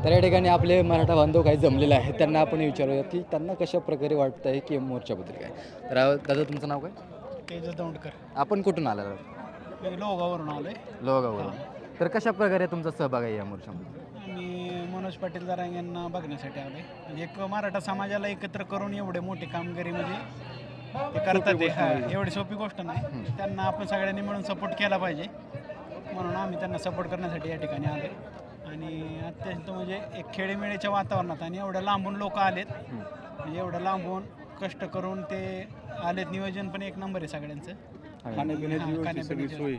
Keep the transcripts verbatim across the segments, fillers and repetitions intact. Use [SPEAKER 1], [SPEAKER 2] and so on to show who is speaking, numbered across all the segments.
[SPEAKER 1] तर या ठिकाणी आपले मराठा बांधव काही जमलेले आहेत, त्यांना आपण विचारूया की त्यांना कशा प्रकारे वाटतं आहे की मोर्चाबद्दल काय. तर अ, दादा तुमचं नाव काय?
[SPEAKER 2] तेजस दौंडकर.
[SPEAKER 1] आपण कुठून आला?
[SPEAKER 2] मी लोहगाववरून आलोय.
[SPEAKER 1] लोहगाववरून. तर कशा प्रकारे तुमचा सहभाग आहे या मोर्चामध्ये?
[SPEAKER 2] मी मनोज पाटील जरांगे यांना बघण्यासाठी आलोय. म्हणजे एक मराठा समाजाला एकत्र करून एवढे मोठी कामगिरी म्हणजे ते करतात ते. हा, एवढी सोपी गोष्ट नाही. त्यांना आपण सगळ्यांनी मिळून सपोर्ट केला पाहिजे, म्हणून आम्ही त्यांना सपोर्ट करण्यासाठी या ठिकाणी आलोय. आणि अत्यंत म्हणजे एक खेळीमेळीच्या वातावरणात आणि एवढ्या लांबून लोक आलेत, म्हणजे एवढ्या लांबून कष्ट करून ते आलेत. नियोजन पण एक नंबर आहे सगळ्यांचं.
[SPEAKER 1] खाण्यापिण्याची
[SPEAKER 2] खाण्यापिण्याची सोय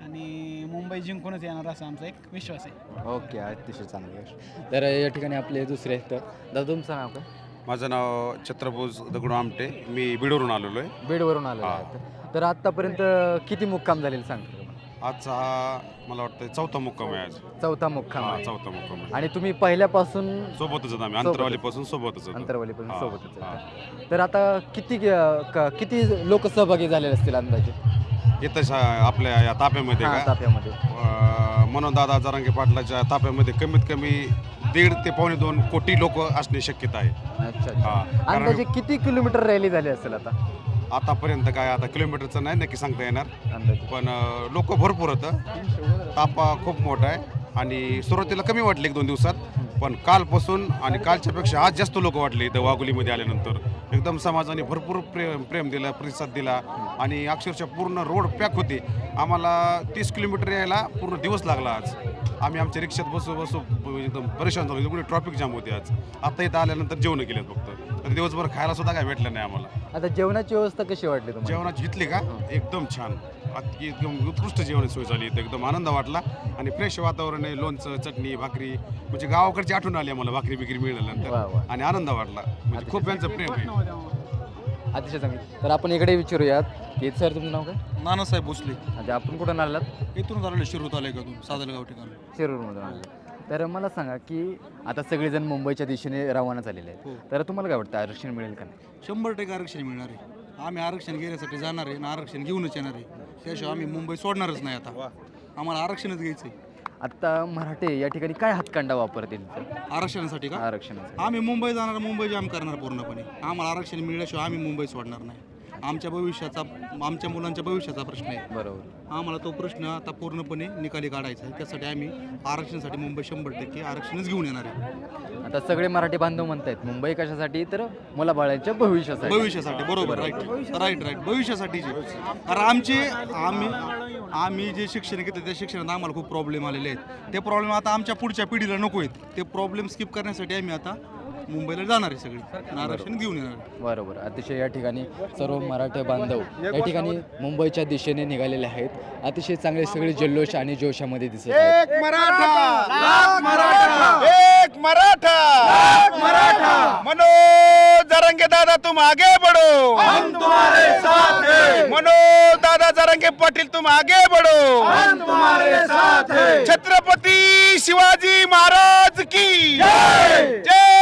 [SPEAKER 2] आणि मुंबई जिंकूनच येणार असा आमचा एक विश्वास आहे.
[SPEAKER 1] ओके, अतिशय चांगली गोष्ट. तर या ठिकाणी आपले दुसरे आहेत. दादा तुमचं नाव काय?
[SPEAKER 3] माझं नाव छत्रभुज दगडू आमटे. मी बीडवरून आलेलो आहे.
[SPEAKER 1] बीडवरून आलेला
[SPEAKER 3] हा.
[SPEAKER 1] आहे. तर आत्तापर्यंत किती मुक्काम झालेले सांगतो?
[SPEAKER 3] आजचा हा मला वाटतं चौथा मुक्काम आहे आज.
[SPEAKER 1] चौथा मुक्काम
[SPEAKER 3] हा,
[SPEAKER 1] आहे.
[SPEAKER 3] चौथा मुक्काम आहे.
[SPEAKER 1] आणि तुम्ही पहिल्यापासून
[SPEAKER 3] सोबतच आहेत आम्ही,
[SPEAKER 1] सोबतच.
[SPEAKER 3] अंतरवालीपासून सोबतच होतो.
[SPEAKER 1] अंतरवालीपासून
[SPEAKER 3] हा,
[SPEAKER 1] सोबतच
[SPEAKER 3] हा.
[SPEAKER 1] आहे. तर आता किती क- किती लोक सहभागी झालेले असतील अंदाजे
[SPEAKER 3] इथं शा- आपल्या या ताप्यामध्ये
[SPEAKER 1] हा,
[SPEAKER 3] का
[SPEAKER 1] ताफ्यामध्ये?
[SPEAKER 3] अं, मनोज दादा जरांगे पाटलाच्या ताप्यामध्ये कमीत कमी दीड ते पावणे दोन कोटी लोक असणे शक्यता आहे.
[SPEAKER 1] अच्छा
[SPEAKER 3] हा,
[SPEAKER 1] अच्छा.
[SPEAKER 3] कारण-
[SPEAKER 1] अंदाजे किती किलोमीटर रॅली झाली असेल आता
[SPEAKER 3] आतापर्यंत काय आता किलोमीटरचं नाही नक्की सांगता येणार,
[SPEAKER 1] अंदाजे?
[SPEAKER 3] पण लोक भरपूर होतं. तापा खूप मोठा आहे आणि सुरुवातीला कमी वाटले एक दोन दिवसात, पण कालपासून आणि कालच्यापेक्षा आज जास्त लोक वाटले इथं वाघोलीमध्ये आल्यानंतर. एकदम समाजाने भरपूर प्रेम प्रेम दिला, प्रतिसाद दिला आणि अक्षरशः पूर्ण रोड पॅक होते. आम्हाला तीस किलोमीटर यायला पूर्ण दिवस लागला आज. आम्ही आमच्या रिक्षात बसू बसू एकदम परेशान झालो, एवढी ट्रॉफिक जाम होती आज. आता इथं आल्यानंतर जेवण केलेत फक्त, तर दिवसभर खायला सुद्धा काय भेटलं नाही आम्हाला.
[SPEAKER 1] आता जेवणाची व्यवस्था कशी वाटली तुम्हाला?
[SPEAKER 3] जेवणाची घेतली का एकदम छान, अति एकदम उत्कृष्ट जेवण सोय झाली इथं. एकदम आनंद वाटला आणि फ्रेश वातावरण आहे. लोणचं, चटणी, भाकरी, म्हणजे गावाकडची आठवण आली आम्हाला भाकरी बिकरी
[SPEAKER 1] वा, वा.
[SPEAKER 3] मिळाल्यानंतर आणि आनंद वाटला. म्हणजे खूप यांचं प्रेम आहे.
[SPEAKER 1] अतिशय चांगली. तर आपण इकडे विचारूयात की सर तुमचं नाव काय?
[SPEAKER 4] नानासाहेब भोसले.
[SPEAKER 1] अच्छा, आपण कुठून आलात?
[SPEAKER 4] इथून आलेलो शिरूर तालुक्यातून सादलगाव ठिकाण.
[SPEAKER 1] शिरूरमधून आले. तर मला सांगा की आता सगळेजण मुंबईच्या दिशेने रवाना झालेले आहेत.
[SPEAKER 4] हो.
[SPEAKER 1] तर तुम्हाला काय वाटतं आरक्षण मिळेल का नाही?
[SPEAKER 4] शंभर टक्के आरक्षण मिळणार आहे. आम्ही आरक्षण घेण्यासाठी जाणार आहे आणि आरक्षण घेऊनच येणार आहे. त्याशिवाय आम्ही मुंबई सोडणारच नाही. आता आम्हाला आरक्षणच घ्यायचं आहे.
[SPEAKER 1] आता मराठे या ठिकाणी काय हातखंडा वापरतील
[SPEAKER 4] आरक्षणासाठी का?
[SPEAKER 1] आरक्षणाचा?
[SPEAKER 4] आम्ही मुंबई जाणार, मुंबई जाम करणार पूर्णपणे. आम्हाला आरक्षण मिळाल्याशिवाय आम्ही मुंबई सोडणार नाही. आमच्या भविष्याचा, आमच्या मुलांच्या भविष्याचा प्रश्न आहे.
[SPEAKER 1] बरोबर.
[SPEAKER 4] आम्हाला तो प्रश्न आता पूर्णपणे निकाली काढायचा आहे. त्यासाठी आम्ही आरक्षणासाठी मुंबई शंभर टक्के आरक्षणच घेऊन येणार आहे.
[SPEAKER 1] आता सगळे मराठी बांधव म्हणतायत मुंबई कशासाठी, तर मुलाबाळांच्या भविष्यासाठी.
[SPEAKER 4] भविष्यासाठी. बरोबर. राईट राईट राईट भविष्यासाठी. कारण आमचे आम्ही आम्ही जे शिक्षण घेतलं त्या शिक्षणात आम्हाला खूप प्रॉब्लेम आलेले आहेत. ते प्रॉब्लेम आता आमच्या पुढच्या पिढीला नको आहेत. ते प्रॉब्लेम स्किप करण्यासाठी आम्ही आता मुंबईला जाणार आहे सगळी आणि आरक्षण घेऊन येणार आहे.
[SPEAKER 1] बरोबर. अतिशय या ठिकाणी सर्व मराठा बांधव या ठिकाणी मुंबईच्या दिशेने निघालेले आहेत. अतिशय चांगले सगळे जल्लोष आणि जोशामध्ये दिसत आहेत.
[SPEAKER 5] एक मराठा लाख मराठा, एक मराठा लाख मराठा. मनोज जरांगे दादा तुम आगे बढ़ो, हम तुम्हारे साथ हैं. मनोज दादा जरांगे पाटील तुम आगे बढ़ो, हम तुम्हारे साथ हैं. छत्रपति शिवाजी महाराज की जय. जय